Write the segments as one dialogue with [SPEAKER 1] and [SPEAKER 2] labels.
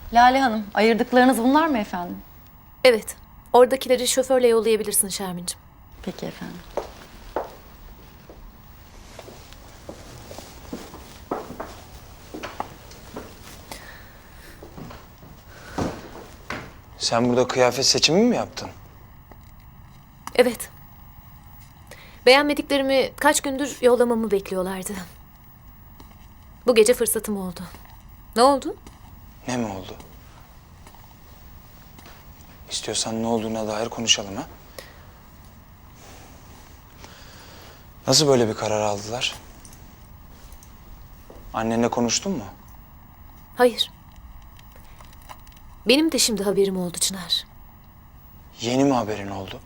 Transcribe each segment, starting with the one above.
[SPEAKER 1] Lale Hanım, ayırdıklarınız bunlar mı efendim?
[SPEAKER 2] Evet. Oradakileri şoförle yollayabilirsin Şermin'cim.
[SPEAKER 1] Peki efendim.
[SPEAKER 3] Sen burada kıyafet seçimi mi yaptın?
[SPEAKER 2] Evet. Beğenmediklerimi kaç gündür yollamamı bekliyorlardı. Bu gece fırsatım oldu. Ne oldu?
[SPEAKER 3] Ne mi oldu? İstiyorsan ne olduğuna dair konuşalım ha? Nasıl böyle bir karar aldılar? Annenle konuştun mu?
[SPEAKER 2] Hayır. Benim de şimdi haberim oldu Çınar.
[SPEAKER 3] Yeni mi haberin oldu?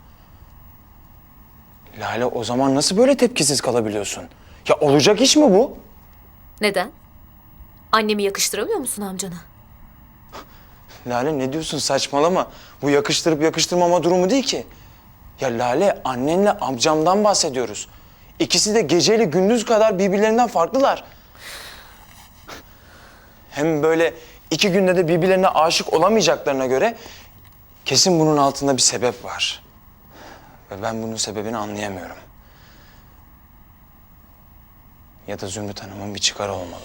[SPEAKER 3] Lale, o zaman nasıl böyle tepkisiz kalabiliyorsun? Ya olacak iş mi bu?
[SPEAKER 2] Neden? Annemi yakıştıramıyor musun amcana?
[SPEAKER 3] Lale, ne diyorsun, saçmalama. Bu yakıştırıp yakıştırmama durumu değil ki. Ya Lale, annenle amcamdan bahsediyoruz. İkisi de geceyle gündüz kadar birbirlerinden farklılar. Hem böyle 2 günde de birbirlerine aşık olamayacaklarına göre kesin bunun altında bir sebep var. Ve ben bunun sebebini anlayamıyorum. Ya da Zümrüt Hanım'ın bir çıkarı olmalı.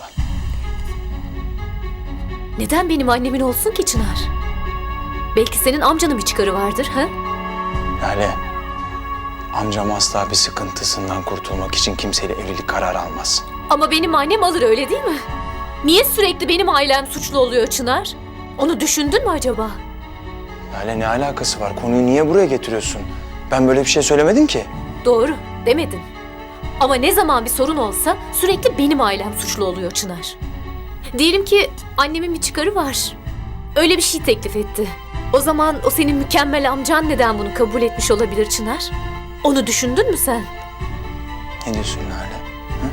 [SPEAKER 2] Neden benim annemin olsun ki Çınar? Belki senin amcanın bir çıkarı vardır ha?
[SPEAKER 3] Lale, amcam asla bir sıkıntısından kurtulmak için kimseyle evlilik kararı almaz.
[SPEAKER 2] Ama benim annem alır, öyle değil mi? Niye sürekli benim ailem suçlu oluyor Çınar? Onu düşündün mü acaba?
[SPEAKER 3] Lale, ne alakası var? Konuyu niye buraya getiriyorsun? Ben böyle bir şey söylemedim ki.
[SPEAKER 2] Doğru, demedin. Ama ne zaman bir sorun olsa sürekli benim ailem suçlu oluyor Çınar. Diyelim ki annemin bir çıkarı var. Öyle bir şey teklif etti. O zaman o senin mükemmel amcan neden bunu kabul etmiş olabilir Çınar? Onu düşündün mü sen?
[SPEAKER 3] Ne diyorsun Lale? Hı?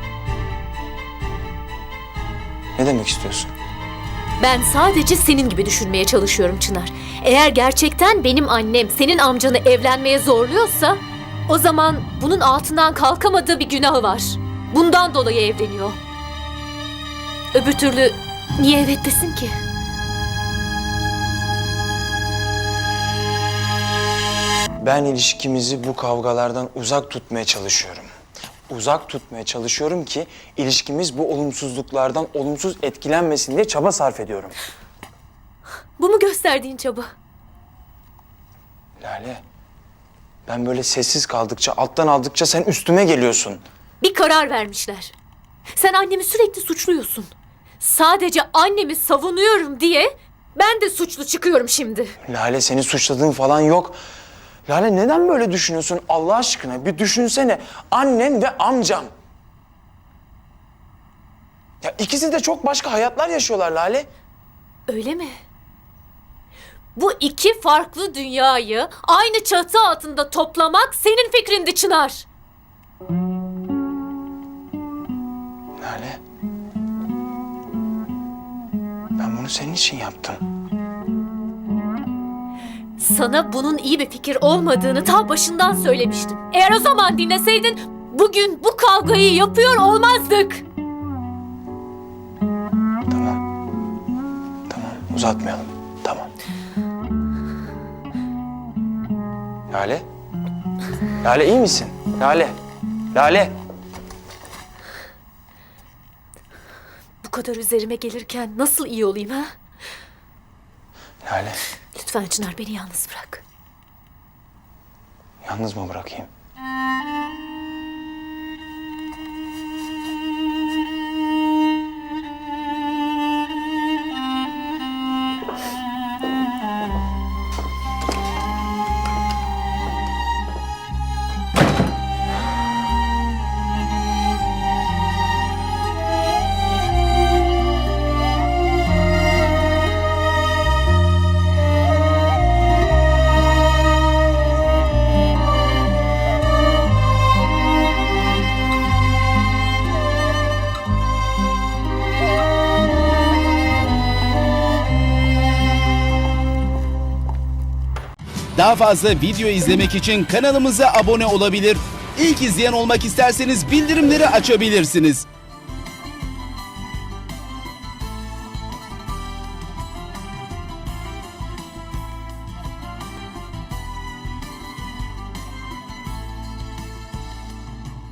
[SPEAKER 3] Ne demek istiyorsun?
[SPEAKER 2] Ben sadece senin gibi düşünmeye çalışıyorum Çınar. Eğer gerçekten benim annem senin amcanı evlenmeye zorluyorsa, o zaman bunun altından kalkamadığı bir günahı var. Bundan dolayı evleniyor. Öbür türlü niye evet desin ki?
[SPEAKER 3] Ben ilişkimizi bu kavgalardan uzak tutmaya çalışıyorum. Uzak tutmaya çalışıyorum ki ilişkimiz bu olumsuzluklardan olumsuz etkilenmesin diye çaba sarf ediyorum.
[SPEAKER 2] Bu mu gösterdiğin çaba?
[SPEAKER 3] Lale, ben böyle sessiz kaldıkça, alttan aldıkça sen üstüme geliyorsun.
[SPEAKER 2] Bir karar vermişler. Sen annemi sürekli suçluyorsun. Sadece annemi savunuyorum diye ben de suçlu çıkıyorum şimdi.
[SPEAKER 3] Lale, seni suçladığın falan yok. Lale, neden böyle düşünüyorsun Allah aşkına? Bir düşünsene, annen ve amcam. Ya ikisi de çok başka hayatlar yaşıyorlar Lale.
[SPEAKER 2] Öyle mi? Bu iki farklı dünyayı aynı çatı altında toplamak senin fikrindi Çınar.
[SPEAKER 3] Lale, ben bunu senin için yaptım.
[SPEAKER 2] Sana bunun iyi bir fikir olmadığını ta başından söylemiştim. Eğer o zaman dinleseydin bugün bu kavgayı yapıyor olmazdık.
[SPEAKER 3] Tamam. Tamam, uzatmayalım. Tamam. Lale? Lale, iyi misin? Lale? Lale?
[SPEAKER 2] Bu kadar üzerime gelirken nasıl iyi olayım ha?
[SPEAKER 3] Lale,
[SPEAKER 2] Lütfen Çınar, beni yalnız bırak.
[SPEAKER 3] yalnız mı bırakayım?
[SPEAKER 4] Daha fazla video izlemek için kanalımıza abone olabilir. İlk izleyen olmak isterseniz bildirimleri açabilirsiniz.